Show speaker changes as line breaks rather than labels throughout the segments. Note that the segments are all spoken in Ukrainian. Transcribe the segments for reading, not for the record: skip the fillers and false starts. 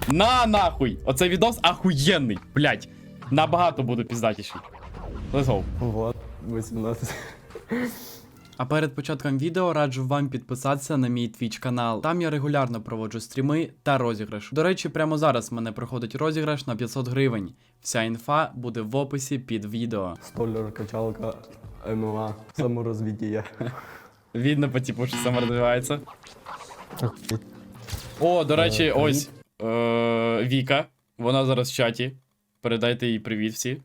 На нахуй! Оцей відос ахуєнний, блядь. Набагато буду піздатіший. Let's go.
Вот, 18.
А перед початком відео раджу вам підписатися на мій Twitch канал. Там я регулярно проводжу стріми та розіграш. До речі, прямо зараз в мене проходить розіграш на 500 гривень. Вся інфа буде в описі під відео.
Столер, качалка, ММА, саморозвиття.
Видно по типу, що саморозвивається. О, до речі, ось Віка. Вона зараз в чаті. Передайте їй привіт всі.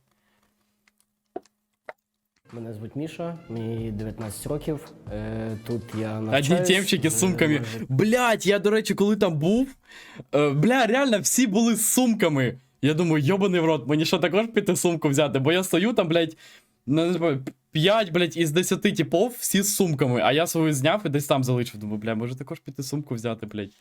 Мене звуть Міша, мені 19 років. Тут я
Одні
навчаюсь.
темчики з сумками. Блять, я, до речі, коли там був, бля, реально всі були з сумками. Я думаю, йобаний в рот, мені що також піти сумку взяти? Бо я стою там, блять, не знаю, 5, блять, із 10 типов всі з сумками, а я свою зняв і десь там залишив. Думаю, бля, може також піти сумку взяти, блять.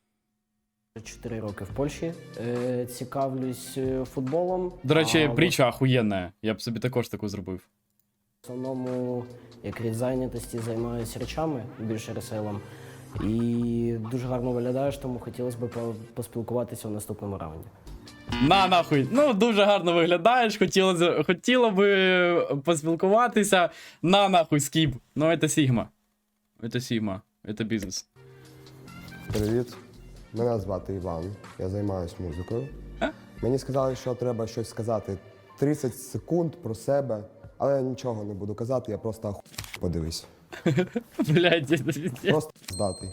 4 роки в Польщі. Цікавлюсь футболом.
До речі,
а
притча охуєнна. Я б собі також таку зробив.
В основному, як від зайнятості, займаюся речами, більше ресейлом. І дуже гарно виглядаєш, тому хотілося б поспілкуватися в наступному раунді.
На нахуй. Ну, дуже гарно виглядаєш, хотіло би поспілкуватися. На нахуй, скіп. Ну, це Сігма. Це Сігма. Це бізнес.
Привіт, мене звати Іван, я займаюся музикою. Мені сказали, що треба щось сказати 30 секунд про себе, але я нічого не буду казати, я просто подивись.
Блядь, це пиздец.
Просто здатий.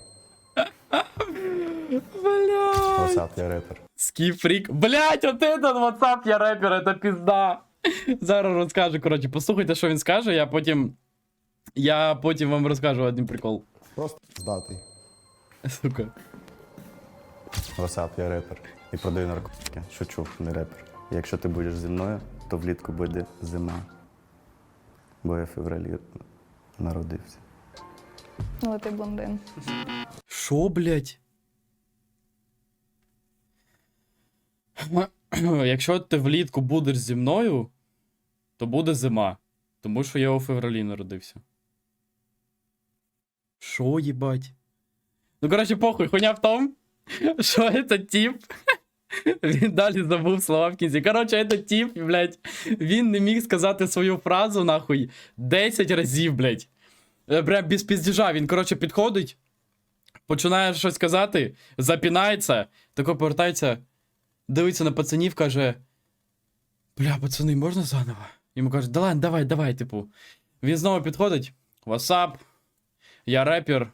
Блядь.
WhatsApp, я репер.
Скіфрік. Блядь, от этот WhatsApp, я репер, это пізда. Зараз розкажу, коротше, послухайте, що він скаже, я потім вам розкажу один прикол.
Просто здатий.
Сука.
WhatsApp, я репер і продаю наркотики. Шучу, не репер. Якщо ти будеш зі мною, то влітку буде зима. Бо я в февралі народився.
Але ти блондин.
Шо, блядь? Якщо ти влітку будеш зі мною, то буде зима. Тому що я у февралі народився. Шо, їбать? Ну, коротше, похуй, хуйня в том, що этот тип, він далі забув слова в кінці. Коротше, этот тип, блядь, він не міг сказати свою фразу, нахуй, 10 разів, блядь. Прям без піздіжа, він, коротше, підходить, починає щось казати, запінається, тако повертається, дивиться на пацанів, каже: бля, пацани, можна заново? Йому кажуть: давай, типу. Він знову підходить: WhatsApp, я репер.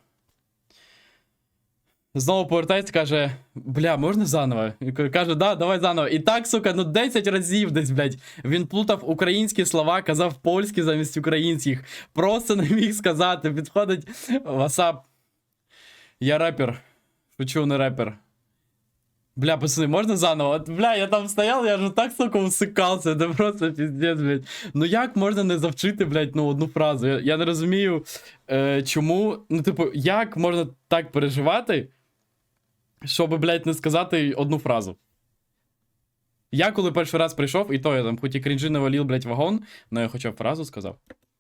Знову повертається, каже: бля, можна заново? І каже: да, давай заново. І так, сука, ну 10 разів десь, блядь. Він плутав українські слова, казав польські замість українських. Просто не міг сказати. Підходить: WhatsApp, я репер. Шучу, не репер. Бля, пацаны, можно заново? От, бля, я там стоял, я же так, сука, усикався, це просто пиздец, блядь. Ну як можна не завчити, блядь, ну одну фразу? Я не розумію, чому, ну типу, як можна так переживати, щоб, блядь, не сказати одну фразу? Я коли перший раз прийшов, і то я там хоч і крінжи навалив, блядь, вагон, но я хоча б фразу сказав.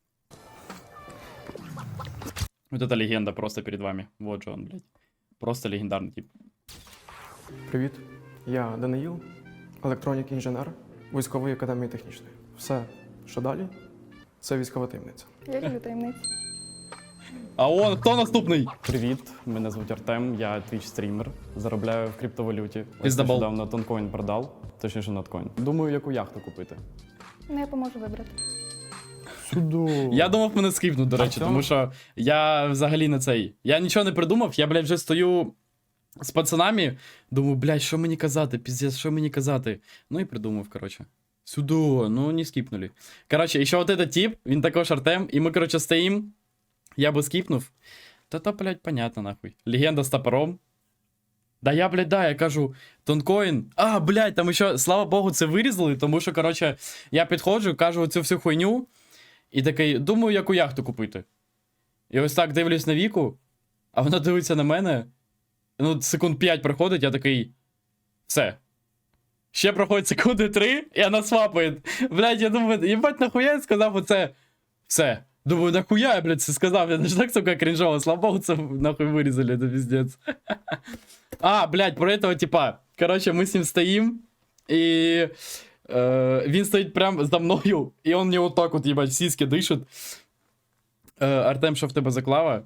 Вот это легенда просто перед вами. Вот же он, блядь. Просто легендарний тип.
Привіт, я Даниїл, електронік-інженер військової академії технічної. Все, що далі, це військова таємниця.
Я люблю таємниці.
А он, хто наступний? Привіт, мене звуть Артем, я твіч-стрімер, заробляю в криптовалюті. Ось нещодавно тонкоін продав, точніше ноткоін. Думаю, яку яхту купити.
Ну, я поможу вибрати.
Я думав мене скипнуть, до речі, тому що я взагалі не цей. Я нічого не придумав, я, блядь, вже стою з пацанами, думаю, блядь, що мені казати, піздець, що мені казати. Ну і придумав, коротше. Сюди, ну не скіпнули. Коротше, і ще от этот тип, він також Артем, і ми, коротше, стоїм. Я би скіпнув. Та, блядь, понятно, нахуй. Легенда з топором. Да я, блядь, я кажу, тонкоін. А, блядь, там ще, слава Богу, це вирізали, тому що, коротше, я підходжу, кажу цю всю хуйню, і такий, думаю, яку яхту купити. І ось так дивлюсь на Віку, а вона дивиться на мене. Ну, секунд 5 проходить, я такий, все. Ще проходить секунди 3, і вона свапає. Блядь, я думаю, їбать, нахуя я сказав оце? Все. Думаю, нахуя я, блядь, це сказав? Я ж так, сука, крінжово. Слава Богу, це нахуй вирізали, це пиздец. А, блядь, про этого типа. Коротше, ми з ним стоїм, і він стоїть прямо за мною, і він мені отак от, їбать, в сіськи дишить. Артем, що в тебе за клава?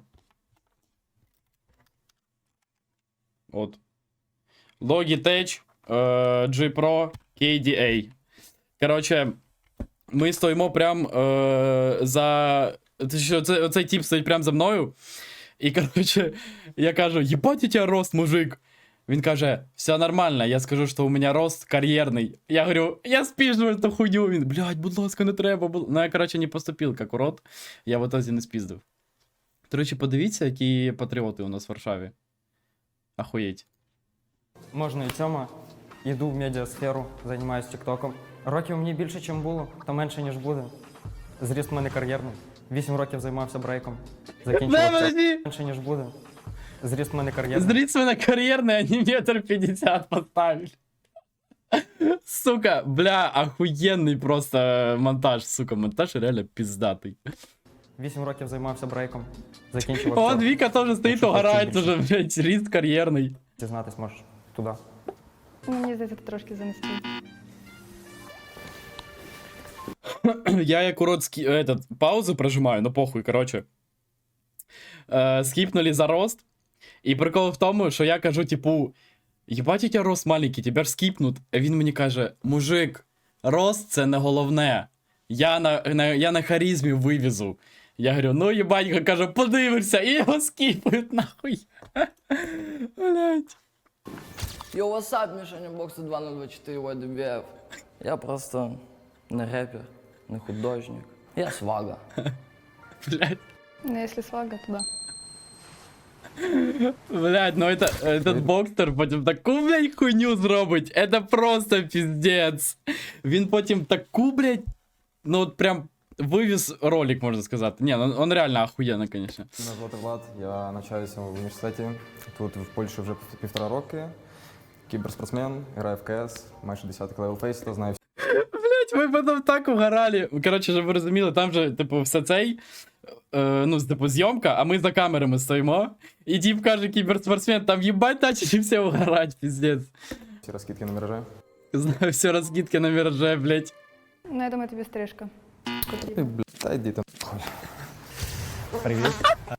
От. Logitech G Pro KDA. Коротше, ми стоїмо прям за. Оцей тип стоїть прям за мною. І, коротше, я кажу, єбать у тебе рост, мужик. Він каже, все нормально, я скажу, що у мене рост кар'єрний. Я говорю, я спіжджу эту хуйню. Він, блядь, будь ласка, не треба. Ну, я, коротше, не поступив, як урод. Я в итоге не спіздив. До речі, подивіться, які патріоти у нас в Варшаві. Ахуєть.
Можна і цьому. Йду в медіасферу, займаюся тіктоком. Років мені більше, ніж було, та менше, ніж буде. Зріст в мене кар'єрний. 8 років займався брейком. Закінчував
подожди.
менше, ніж буде. Зріст в мене кар'єрний.
Зрить мене кар'єрний, а не метр 50 поставили. Сука, бля, охуєнний просто монтаж, сука, монтаж реально пиздатий.
8 років займався брейком. Закінчував.
О, Віка теж стоїть,
Якщо
угорають
хочеш
уже, блядь, ріст кар'єрний.
Дізнатись можеш туди.
Мені здається, ти трошки занести.
Я як урод паузу прожимаю, ну похуй, короче. Скіпнули за рост. І прикол в тому, що я кажу, типу, єбать, у тебе рост маленький, тебе ж скіпнуть. А він мені каже, мужик, рост це не головне. Я на харизмі вивезу. Я говорю, ну єбать, кажу, подивишся, і його скіпають нахуй. Блять.
Йо, васап, Мішаня, боксу 2024 YDBF. Я просто не репер, не художник. Я свага.
Блять.
Ну, якщо свага, то да.
Блять, ну этот бокстер потім таку, блядь, хуйню зробить. Это просто пиздец. Він потім таку, блядь, ну от прям вивіз ролик, можна сказати. Ні, ну он реально охуєнно, конечно.
Мене звати Влад, я навчаюся в університеті. Тут в Польщі вже 1,5 роки. Кіберспортсмен, граю в КС, майже 10 левел фейс, то знаю
Блять, ми потім так угорали. Коротше, щоб ви розуміли, там же, типу, все цей, ну, типу, зйомка, а ми за камерами стоїмо. І тип каже, кіберспортсмен, там їбать начали всі угорать, пиздец.
всі розкидки на мережі.
Знаю, все розкидки на міраже, блять.
Ну, я думаю, тобі стрижка потрібна.
Та йди там.
Привіт.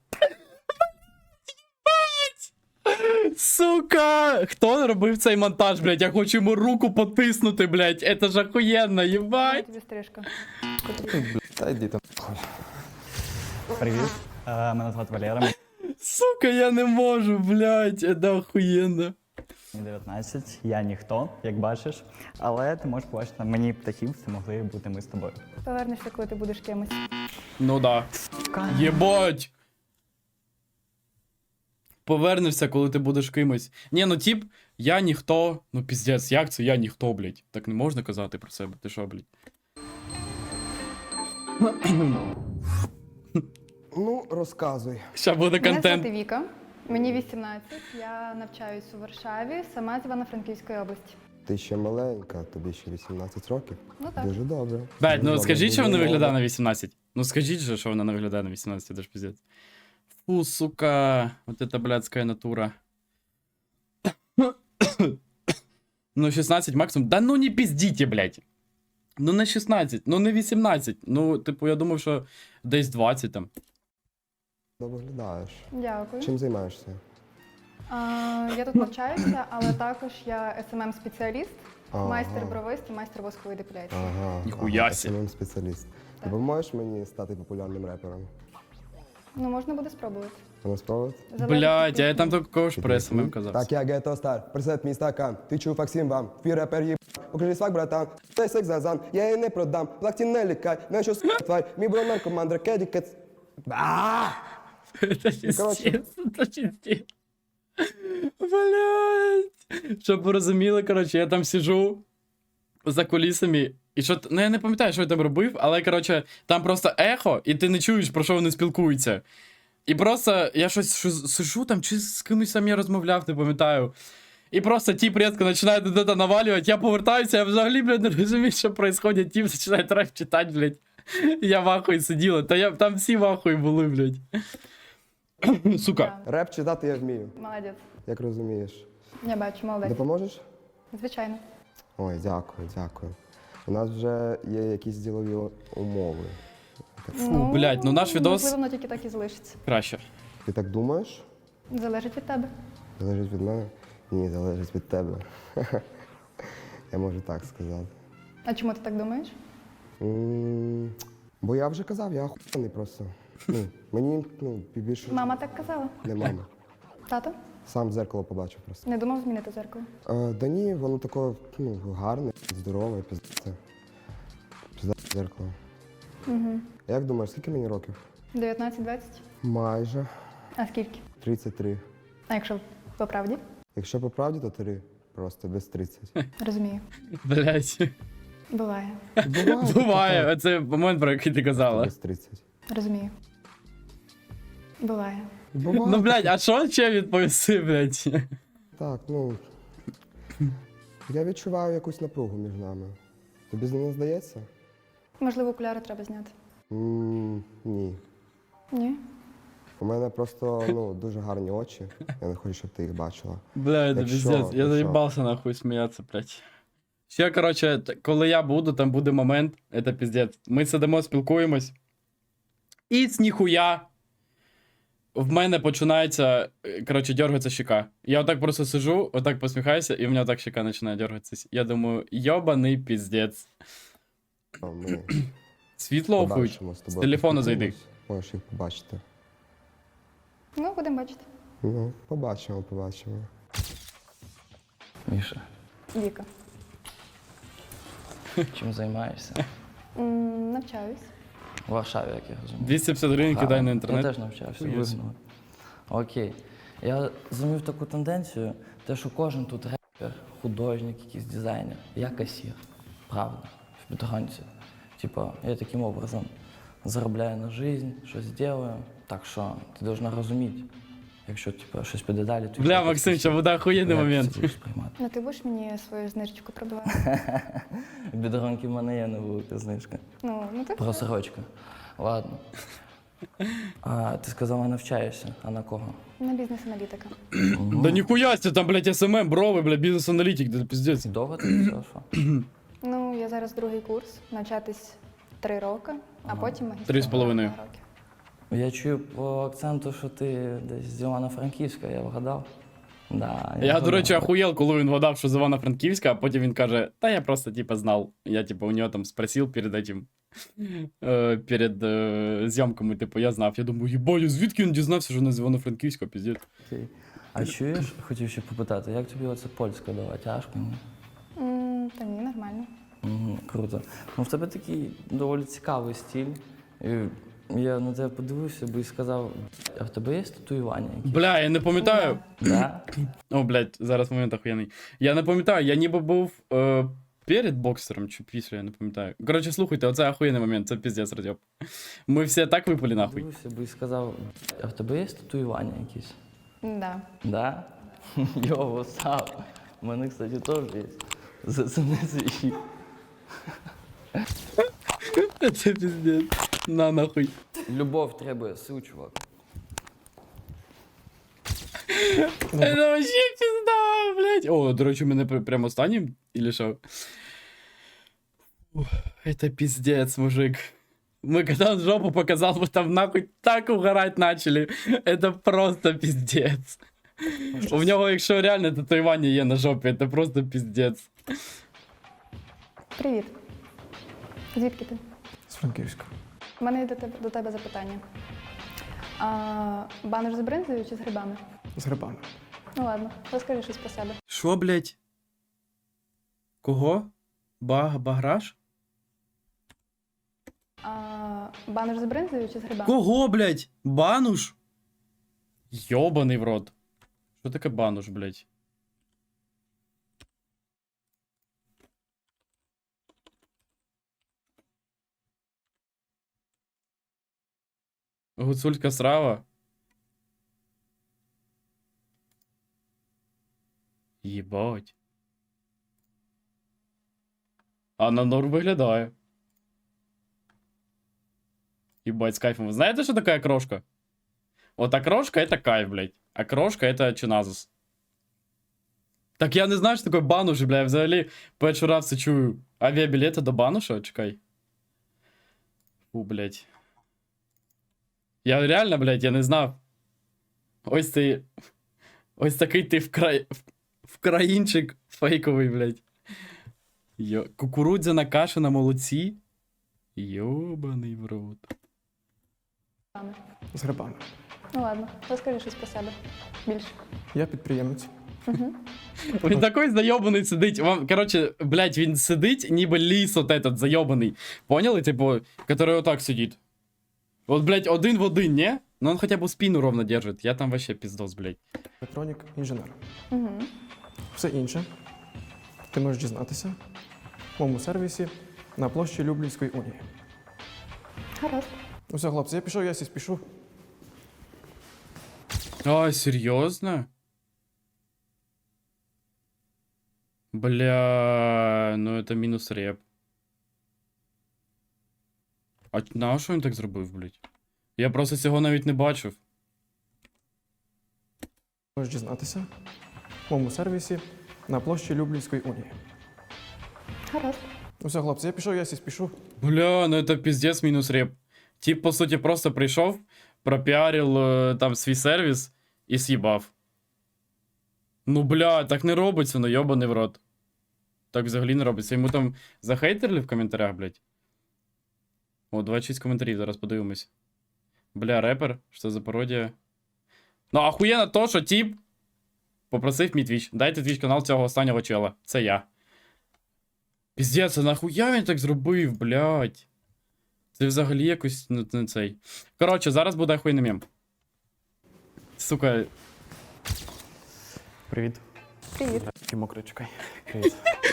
Сука! Хто робив цей монтаж, блядь? Я хочу йому руку потиснути, блядь. Это ж охуєнно,
Ну,
єбать.
тобі стрижка потрібна.
Та йди там.
Привіт. Мене звати Валера.
Сука, я не можу, блядь. Это охуєнно.
Мені 19, я ніхто, як бачиш. Але ти можеш побачити на мені птахів, це могли бути ми з тобою.
Повернешся, коли ти будеш кимось.
Ну да. Єбать. Повернешся, коли ти будеш кимось. Ні, ну тип, я ніхто. Ну піздець, як це я ніхто, блядь? Так не можна казати про себе, ти що, блядь?
Ну, розказуй.
Ща буде
Мене
контент.
звати Віка, мені 18, я навчаюсь у Варшаві, сама з Івано-Франківської області.
Ти ще маленька, тобі ще 18 років.
Ну так.
Дуже добре.
Блядь, ну
Дуже
скажіть,
добре.
що вона
Дуже
виглядає
добре.
на 18. Ну скажіть же, що вона не виглядає на 18, це ж пиздец. Фу, сука, вот это блядская натура. Ну 16 максимум. Да ну не пиздите, блядь. Ну не 16, ну не 18. Ну, типу, я думав, що десь 20 там.
Добре виглядаєш.
Дякую.
Чим займаєшся?
Я тут навчаюся, але також я SMM-спеціаліст,
Ага.
майстер бровист і майстер воскової депіляції.
Ага.
Ніхуя сі.
SMM спеціаліст. Ти поможеш мені стати популярним репером?
Ну, можна буде спробувати.
Вона спробувати?
Залежить
Блядь,
від
а я там
пісні.
такого ж про СММ казав.
Так, я Гетто Стар, присед мій стакан, ти чув Факсим вам, твій репер їб, покажи свак, братан, той секс зазан, я її не продам, плакті не лікай, на що тварь, мій бро наркоман, дракеді кец.
Это
короче.
пиздец, это пиздец. Блядь. Щоб ви розуміли, коротше, я там сижу за кулісами, і що, ну я не пам'ятаю, що я там робив, але, коротше, там просто ехо, і ти не чуєш, про що вони спілкуються. І просто я щось сижу там, чи з кимось сам я розмовляв, не пам'ятаю. І просто тіп різко починає де-то навалювати, я повертаюся, я взагалі, блядь, не розумію, що відбувається, тіп починає трек читати, блядь. Я в ахуї сиділа, там всі в ахуї були, блядь. Сука.
Да.
Реп читати я вмію,
Молодець.
як розумієш.
Я бачу, молодець.
Допоможеш?
Звичайно.
Ой, дякую, дякую. У нас вже є якісь ділові умови.
Фу, блядь, ну наш відос
Можливо, воно тільки так і залишиться.
краще.
Ти так думаєш?
Залежить від тебе.
Залежить від мене? Ні, залежить від тебе. Я можу так сказати.
А чому ти так думаєш?
Бо я вже казав, я охуєнний просто. Мені більше
Мама так казала.
не мама.
Тато?
Сам в зеркало побачив просто.
Не думав змінити зеркало.
Да ні, воно таке гарне, здорове, пізде. Пізде зеркало.
Угу.
Як думаєш, скільки мені років?
19-20?
Майже
А скільки?
33.
А якщо по правді?
Якщо по правді, то 3. Просто без 30.
Розумію.
Блядь.
Буває.
Буває, оце момент, про який ти казала.
Без 30.
Розумію. Буває.
Ну, блядь, а що ще відповісти, блядь?
Так, я відчуваю якусь напругу між нами. Тобі не здається?
Можливо, окуляри треба зняти.
Ні.
Ні?
У мене просто дуже гарні очі. Я не хочу, щоб ти їх бачила.
Бля, это
Якщо-
пиздец. Я
якщо-
заебался нахуй сміятися, блядь. Ще, короче, коли я буду, там буде момент, это пиздец. Ми сидимо, спілкуємось. І з ніхуя в мене починається, короче, дергатися щека. Я отак просто сижу, отак посміхаюся, і в мене отак щека починає дергатися. Я думаю, йобаний пиздец.
Ми
Світло охують.
побачимо з
З
тобою.
телефону зайди.
Можеш їх побачити.
Ну, будемо бачити.
Побачимо.
Міша,
Віка.
чим займаєшся?
Навчаюсь.
В Варшаві, як я розумію.
250 гривень кидай на
Я
інтернет.
теж навчався,
Хуєць.
вигнали. Окей. Я зумів таку тенденцію, те, що кожен тут репер, художник, якийсь дизайнер, я касір. Правда. В підганці. Типа, я таким образом заробляю на жизнь, щось делаю. Так що ти должна розуміти, якщо типа, щось піде далі, то
Бля, Максим, це буде охуєнний
як ти
момент.
це будеш сприймати.
Ну, ти будеш мені свою знижечку пробивати?
Бідронки в мене є невелика знижка.
Ну так.
Просрочка. Ладно. А ти сказала, навчаєшся. А на кого?
На бізнес-аналітика.
Да ніхуя себе, там, блядь, СММ, брови, блядь, бізнес-аналітик, да пиздец.
Довго ти взяв, що?
Ну, я зараз другий курс, навчатись 3 роки, а потім магістратура
3,5.
2 роки.
Я чую по акценту, що ти десь з Івано-Франківська, я вгадав. Да,
Я, до
вгадав.
речі, охуєл, коли він вгадав, що з Івано-Франківська, а потім він каже, та я просто, типа, знав. Я, типа, у нього там спросив перед этим, перед зйомками, типу, я знав. Я думаю, їбать, звідки він дізнався, що вона з Івано-Франківська, піздець.
Окей. А чуєш, хотів ще попитати, як тобі оце польська дала? Тяжко? Ні?
Та ні, нормально.
Круто. Ну, в тебе такий доволі цікавий стиль. І я на тебе подивився би і сказав, а в тебе є татуювання якісь?
Бля, я не пам'ятаю.
Да?
О, блядь, зараз момент охуєнний. Я не пам'ятаю, я ніби був перед боксером чи після, я не пам'ятаю. Коротше, слухайте, оце охуєнний момент, це піздець, Радьоп. Ми всі так випали нахуй.
Дивився би і сказав, а в тебе є татуювання якісь?
Да.
Да? Йо, васап. У мене, кстати, теж є. Зацени свій.
Це піздець. На нахуй.
Любов требує сил, чувак.
Це вообще пізда, блядь. О, до речі, у мене прямо останнім, или що? Ух, это пиздец, мужик. Мы когда он жопу показал, мы там нахуй так угорать начали. Это просто пиздец. У нього, якщо реально татуювання є на жопі, це просто пиздец.
Привіт. Звідки ти?
З Франківська.
У мене є до тебе запитання. Банер з бринзою чи з грибами?
З грибами.
Ну ладно, розкажи щось про себе.
Що, блядь? Кого? Баграш?
Банер з бринзою чи з грибами?
Кого, блядь? Бануш? Йобаний в рот. Що таке бануш, блядь? Гуцульська страва? Єбать. А на норм виглядає. Ебать, с кайфом. Вы знаете, что такая крошка? Вот окрошка это кайф, блядь. А крошка это чиназус. Так я не знаю, що таке бануш, бля, я взагалі перший раз це чую. Авіабілети до бануша? Чекай. Фу, блядь. Я реально, блядь, я не знав. Ось ти. Ось такий ти вкраїнчик фейковий, блядь. Кукурудзяна каша на молоці. Йобаний в рот.
З грибами.
Ну ладно, розкажи щось про себе. Більше.
Я підприємець.
Він такий зайобаний сидить. Вам, короче, блядь, він сидить, ніби ліс от этот зайобаний. Поняли? Типу, который отак сидить. Вот, блядь, один в один, не? Ну он хотя бы спину ровно держит. Я там вообще пиздос, блядь.
Електронік інженер.
Угу.
Все інше ти можеш дізнатися в моєму сервісі на площі Люблінської унії.
Гаразд.
Усе, хлопці, я пішов, я сі спішу.
А, серьезно? Бля, ну это мінус реп. А на що він так зробив, блядь? Я просто цього навіть не бачив.
Можеш дізнатися в моєму сервісі на площі Люблінської унії.
Гаразд.
Усе, хлопці, я пішов, я сі спішу.
Бля, ну это пиздец мінус реп. Тип, по суті, просто прийшов, пропіарив там свій сервіс і з'їбав. Ну, бля, так не робиться, ну йобаний в рот. Так взагалі не робиться. Йому там захейтерли в коментарях, блядь. О, 26 коментарів, зараз подивимось. Бля, репер, що за пародія? Ну, ахуєнно то, що тип попросив мій твіч. Дайте твіч канал цього останнього чела. Це я. Піздець, а нахуя він так зробив, блядь? Це взагалі якось не цей. Коротше, зараз буде ахуєнний мем. Сука.
Привіт.
Привіт.
Такий мокрий, чекай. Привіт.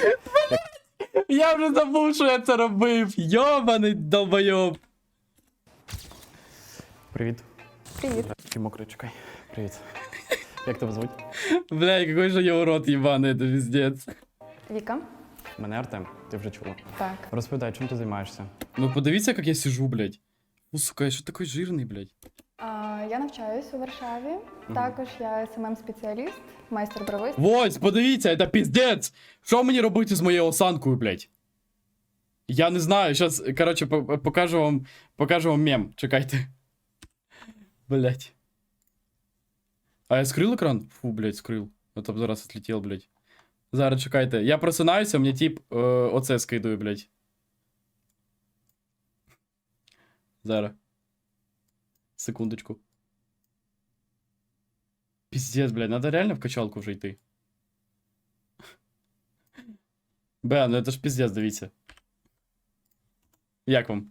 Я вже забув, що я це робив. Йобаний долбойоб.
Привіт.
Привіт.
Такий мокрий, чекай. Привіт. Як тебе звуть?
Бля, який же я урод ебаний, це піздець.
Віка.
Мене Артем, ти вже чула.
Так.
Розповідай, чим ти займаєшся?
Ну подивіться, як я сижу, блядь. Ну, сука, я що такий жирний, блядь.
Я навчаюсь у Варшаві. Також я СММ-спеціаліст, майстер-бровист.
Ось, подивіться, це піздець. Що мені робити з моєю осанкою, блядь? Я не знаю, зараз, коротше, покажу вам мем. Чекайте. Блядь. А я скрил екран? Фу, блядь, скрил. А то б зараз отлетел, блядь. Зараз, чекайте. Я просинаюся, мені тип оце скидує, блядь. Зараз. Секундочку. Пиздец, блядь, надо реально в качалку вже йти. Бля, ну это ж пиздец, дивіться. Як вам?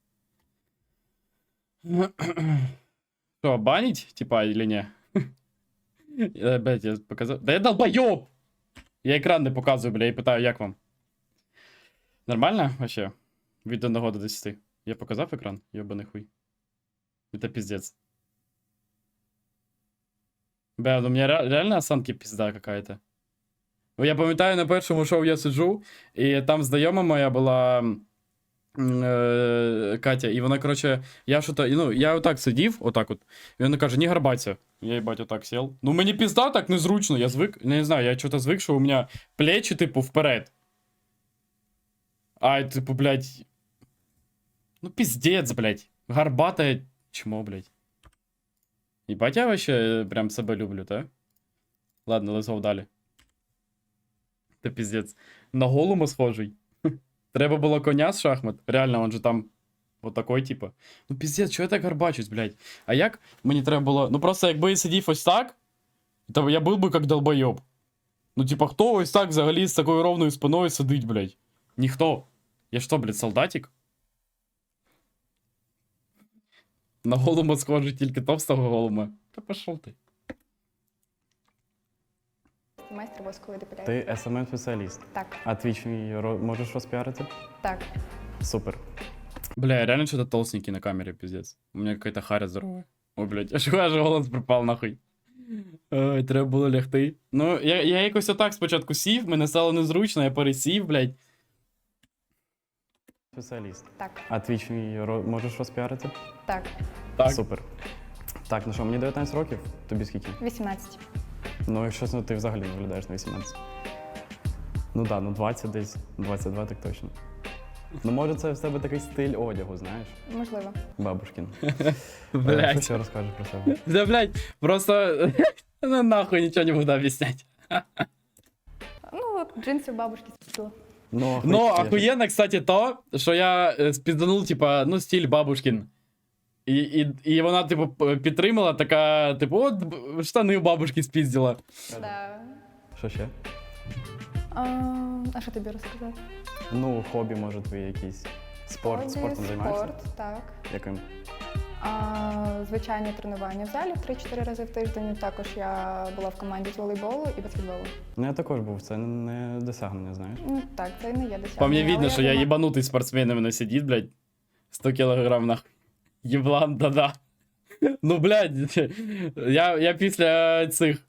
Що, банить, типа, или не? Блядь, я показав. Да я долбойоб! Я екран не показую, бля, і питаю, як вам? Нормально вообще? Від 1 до 10. Я показав екран? Йобаний хуй. Это пиздец. Бля, ну у меня реально осанки пизда какая-то. Я пам'ятаю, на першому шоу я сиджу, і там знайома моя була Катя, і вона, короче, я що-то, ну, я отак сидів, отак от, і вона каже, не горбаться. Я, їбать, отак сел. Ну, мені пізда так незручно, я звик, не знаю, я что-то звик, що у мене плечі, типу, вперед. А, типу, блядь, ну, пиздец, блядь, горбатое чмо, блядь. Ебать, я вообще прям себе люблю, да? Ладно, лизав далі. Це пиздец. На голому схожий. Треба було коня з шахмат. Реально, он же там вот такой, типа. Ну пиздец, чого я так гарбачусь, блядь? А як мені треба було... Ну просто якби я сидів ось так, то я був би як долбойоб. Ну типа, хто ось так взагалі з такою ровною спиною сидить, блядь? Ніхто. Я що, блядь, солдатик? На голому схожий тільки товстого голума. Та пошов ти.
Майстер воскової депіляції.
Ти SMM-спеціаліст.
Так.
А твіч можеш розпіарити?
Так.
Супер.
Бля, я реально что-то толстенький на камере, пиздец. У меня какая-то харя здоровая. Ой, блядь, аж голос пропав нахуй. Ой, треба було лягти. Ну, я якось отак спочатку сів, мене стало незручно, я пересів, блядь.
Спеціаліст.
Так.
А твіч можеш розпіарити?
Так.
Так.
Супер. Так, ну що, мені 19 років, тобі скільки?
18.
Ну, якщо чесно, ти взагалі не виглядаєш на 18. Ну так, ну 20 десь, 22 так точно. Ну, може, це в тебе такий стиль одягу, знаєш?
Можливо.
Бабушкін. Що
Блядь.
ще розкажеш про себе?
Да, блядь, просто ну, нахуй ничего не буду объяснять.
Ну, от джинси бабушки спітила.
Ну,
Ну,
охуєть.
охуенно, кстати, то, що я спізданув, типа, ну, стиль бабушкин. І вона, типу, підтримала, така, типу, от штани у бабушки спіздила.
Да.
Що ще?
А що тобі розказати?
Ну, хобі, може, твої якісь. Спортом займаєшся?
Спорт, так.
Яким?
Звичайні тренування в залі 3-4 рази в тиждень. Також я була в команді з волейболу і баскетболу.
Ну, я також був, це не досягнення, знаєш.
Ну так, це і не є досягнення.
По мне
але
видно, що я
думаю-
ебанутый спортсмен именно сидит, блядь. 100 килограмм, нахуй. Еблан, да-да. Ну, блядь, я після цих...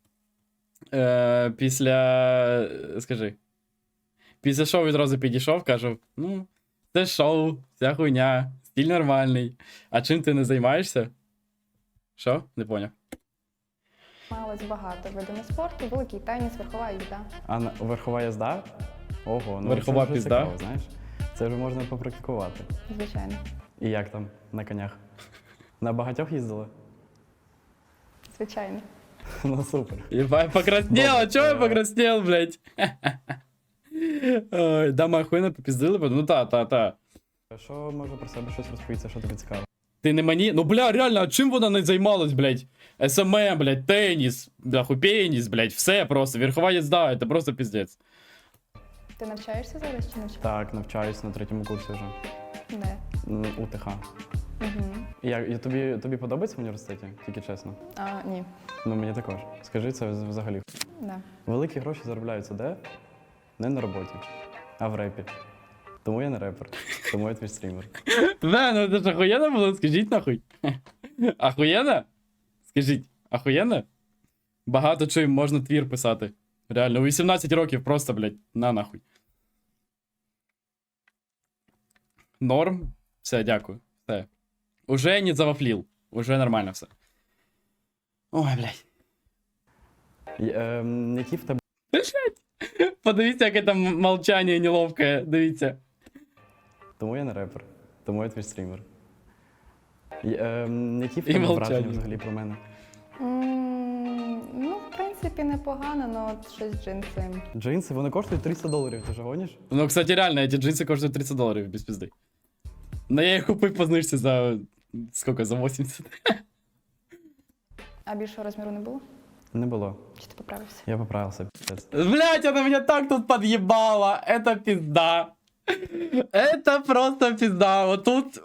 Після... Скажи. Після шоу відразу підійшов, кажу, ну, це шоу, ця хуйня, стиль нормальний. А чим ти не займаєшся? Що? Не поняв.
Займалась багато видами спорту, великий теніс, верхова їзда.
А верхова їзда? Ого, ну
Верхова
це вже
пізда?
цікаво, знаєш. Це вже можна попрактикувати.
Звичайно.
І як там на конях? На багатьох їздили?
Звичайно.
Ну супер.
Ебать, покраснел, а
Добре,
чё я покраснел, блядь? Ой, да, ми охуєнно попіздили, ну та.
Що може про себе щось розповісти, що тобі цікаво?
Ти не мені? Ну, бля, реально, а чим вона не займалась, блядь? СММ, блядь, теніс, бляху, пеніс, блядь, все просто, верхова їзда, це просто піздець.
Ти навчаєшся зараз чи навчаєшся?
Так, навчаюсь на 3-му курсі вже.
Де?
УТХ.
Угу.
І тобі подобається в університеті? Тільки чесно.
Ні.
Ну мені також. Скажи, це взагалі.
Да.
Великі гроші заробляються де? Не на роботі, а в репі. Тому я не репер, тому я твій стрімер.
Бля, ну це ж охуєнно було, скажіть нахуй. Ахуєнно? Скажіть, ахуєнно? Багато чим можна твір писати. Реально, у 18 років просто, блядь, на нахуй. Норм. Все, дякую. Все. Уже не завафлил. Уже нормально все. Ой, блядь.
Які в тебе
Подивіться, яке там молчання неловке. Дивіться.
Тому я не репер, тому я твій стрімер. Які в
І
тебе
мовчання.
враження взагалі про мене?
Ну, в принципі, непогано, але от щось джинси.
Джинси, вони коштують $300, ти ж гониш?
Ну, кстати, реально, эти джинсы коштуют $30 без пизды. Но я их купив по знижці за... Сколько? За 80.
А більшого розміру не було?
Не було.
Чи ти поправився?
Я поправився, піздець.
Блять, она меня так тут подъебала. Это пизда. Это просто пизда. Вот тут...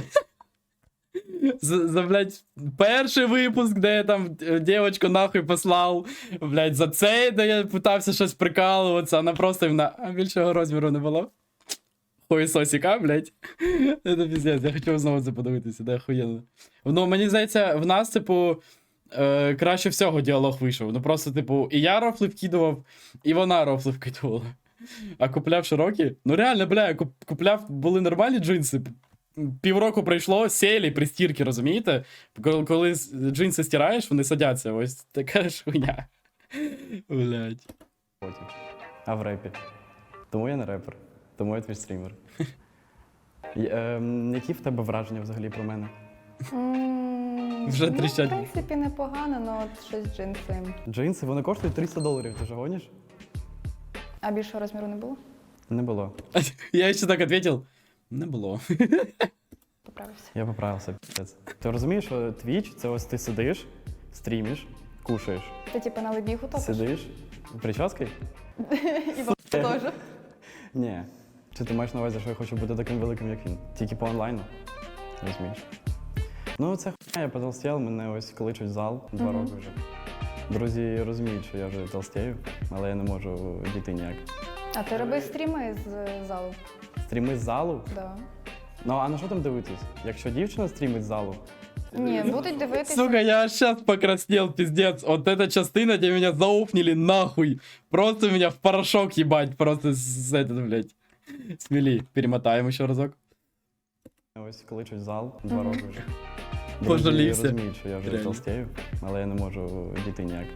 За, блядь, перший випуск, де я там дівчинку нахуй послав, блядь, за цей, де я питався щось прикалуватися, вона просто а більшого розміру не було. Хуєсосіка, блядь. Це піздець, я хотів знову це подивитися, де охуєнно. Ну, мені здається, в нас, типу, краще всього діалог вийшов. Ну просто, типу, і я рофли вкидував, і вона рофли вкидувала. А купляв широкі? Ну реально, бля, я купляв, були нормальні джинси. Півроку пройшло, сєлі при стірці, розумієте? Коли джинси стираєш, вони садяться. Ось така ж хуйня. Блядь.
Потім. А в репі. Тому я не репер, тому я твій стрімер. Які в тебе враження взагалі про мене?
Вже
Ну, в
тріщать.
принципі, непогано, але от щось джинси.
Джинси, вони коштують $300, ти ж гониш?
А більшого розміру не було?
Не було.
Я ще так відповів. Не було.
Поправився.
Я поправився, піздець. Ти розумієш, що Twitch — це ось ти сидиш, стрімиш, кушаєш.
Ти типу на лебігу топиш?
Сидиш, прически?
І бабу теж.
Ні. Чи ти маєш на увазі, що я хочу бути таким великим, як він? Тільки по онлайну? Розумієш? Ну, це хуйня, я потолстів, мене ось кличуть в зал 2 роки вже. Друзі розуміють, що я вже толстію, але я не можу дійти ніяк.
А ти роби стріми з залу?
Стріми з залу?
Да.
Ну, а на що там дивитись? Якщо дівчина стрімить з залу,
Ні, будуть дивитися.
Сука, я аж сейчас покраснел, пиздец. Вот эта частина, где меня зауфнили нахуй. Просто меня в порошок ебать. Просто с этот, блядь. Смели. Перемотаем еще разок.
ось кличуть в зал 2 роки вже.
Пожалівся.
Друзі розуміють, що я вже
Реально.
толстію, але я не можу дійти ніяк.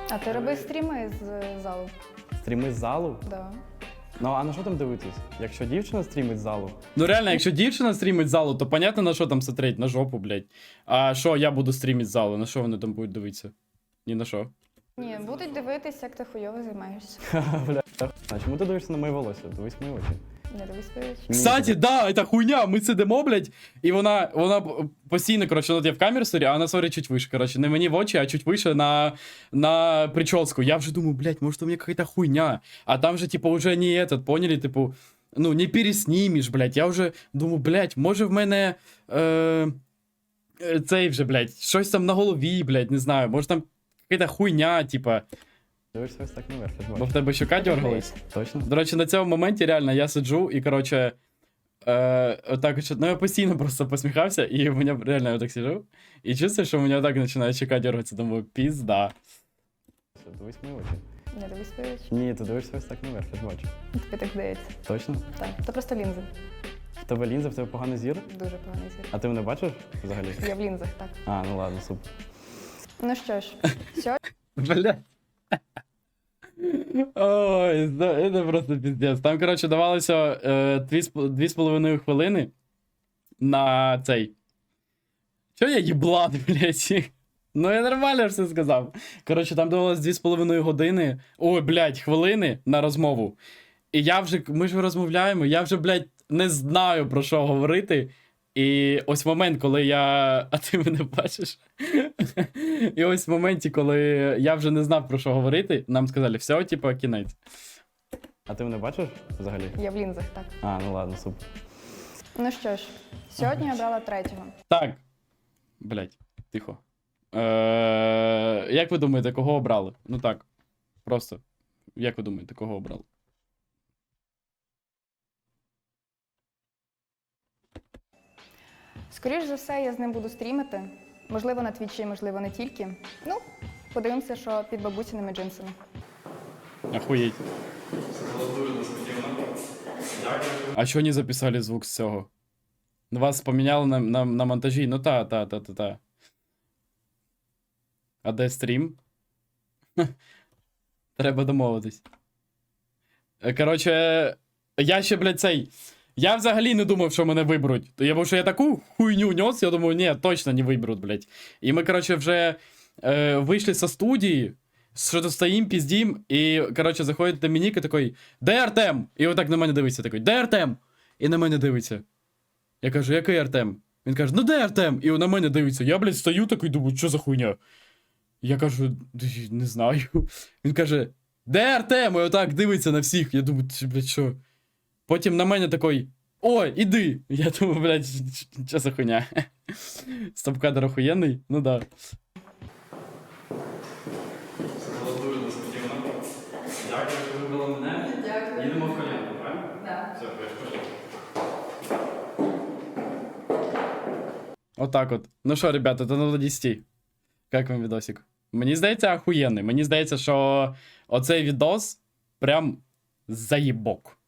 А ти роби стріми з залу.
Стріми з залу?
Да.
Ну а на що там дивитись? Якщо дівчина стрімить з залу,
Ну реально, якщо дівчина стрімить з залу, то понятно, на що там смотреть, на жопу, блядь. А що я буду стрімити з залу, на що вони там будуть дивитися? Ні на що.
Ні, будуть дивитись, як ти хуйово займаєшся.
бля, а чому ти дивишся на моє волосся? Дивись в мої очі.
Не дивись свої очі.
Кстати, да, это хуйня, ми сидимо, блядь, і вона постійно, коротше, от я в камеру сорі, а вона сорі чуть вище, коротше, не мені в очі, а чуть вище на прическу. Я вже думаю, блядь, может у меня какая-то хуйня. А там же, типу, уже не этот, поняли, типу, ну, не переснімеш, блядь. Я вже думаю, блядь, може в мене цей вже, блядь, щось там на голові, блядь, не знаю, може там какая-то хуйня, типа.
Дивишся ось так наверх, я ж
Бо
бачу.
в тебе щука дергалась.
Точно?
До речі, на цьому моменті реально я сиджу і, коротше, отак, ну я постійно просто посміхався, і у мене реально я так сиджу, і чувствую, що у мене так починає щука дергатися, думаю, пізда.
Дивись в мої очі.
Не дивись свої очі.
Ні, ти дивишся ось так наверх, я ж бачу.
Тобі так здається.
Точно?
Так, то просто лінзи.
В тебе лінза, в тебе поганий зір?
Дуже поганий зір.
А ти мене бачиш взагалі?
Я в лінзах, так.
А, ну ладно, супер.
Ну що ж, сьогодні
Блядь. Ой, це просто піздець. Там, коротше, давалося 2,5 хвилини на цей. Чо я їблан, блядь? Ну я нормально все сказав. Коротше, там давалось 2,5 години, ой, блядь, хвилини на розмову. І я вже, ми ж розмовляємо, я вже, блядь, не знаю про що говорити. І ось момент, коли я. А ти мене бачиш? І ось в моменті, коли я вже не знав про що говорити, нам сказали, все, типу, кінець.
А ти мене бачиш взагалі?
я в лінзах, так.
А, ну ладно, супер.
Ну що ж, сьогодні я обрала третього.
Так. Блять, тихо. Як ви думаєте, кого обрали? Ну так. Просто. Як ви думаєте, кого обрали?
Скоріш за все, я з ним буду стрімити. Можливо, на твічі, можливо, не тільки. Ну, подивимося, що під бабусіними джинсами.
Охуєть. А чого не записали звук з цього? Ну, вас поміняли на монтажі. Ну та. А де стрім? Треба домовитись. Коротше, я ще, блядь, цей. Я взагалі не думав, що мене виберуть. Тому що я таку хуйню нес, я думаю, ні, точно не виберуть, блядь. І ми, коротше, вже вийшли со студії, що-то стоїм, піздім, і, коротше, заходить Домінік і такий, де Артем? І отак на мене дивиться, такий, де Артем? І на мене дивиться. Я кажу, який Артем? Він каже, ну де Артем? І на мене дивиться. Я, блядь, стою такий, думаю, що за хуйня? Я кажу, не знаю. Він каже, де Артем? І отак дивиться на всіх. Я думаю, блядь, що? Потім на мене такий, ой, іди. Я думаю, блядь, що за хуйня? Стоп-кадр охуєнний? Ну да. Дякую, що вибрали мене. Дякую. Їдемо в коня, правильно? Так. Все, пошли. Отак от. Ну що, ребята, это на 10. Як вам відосик? Мені здається, охуєнний. Мені здається, що оцей відос прям заїбок.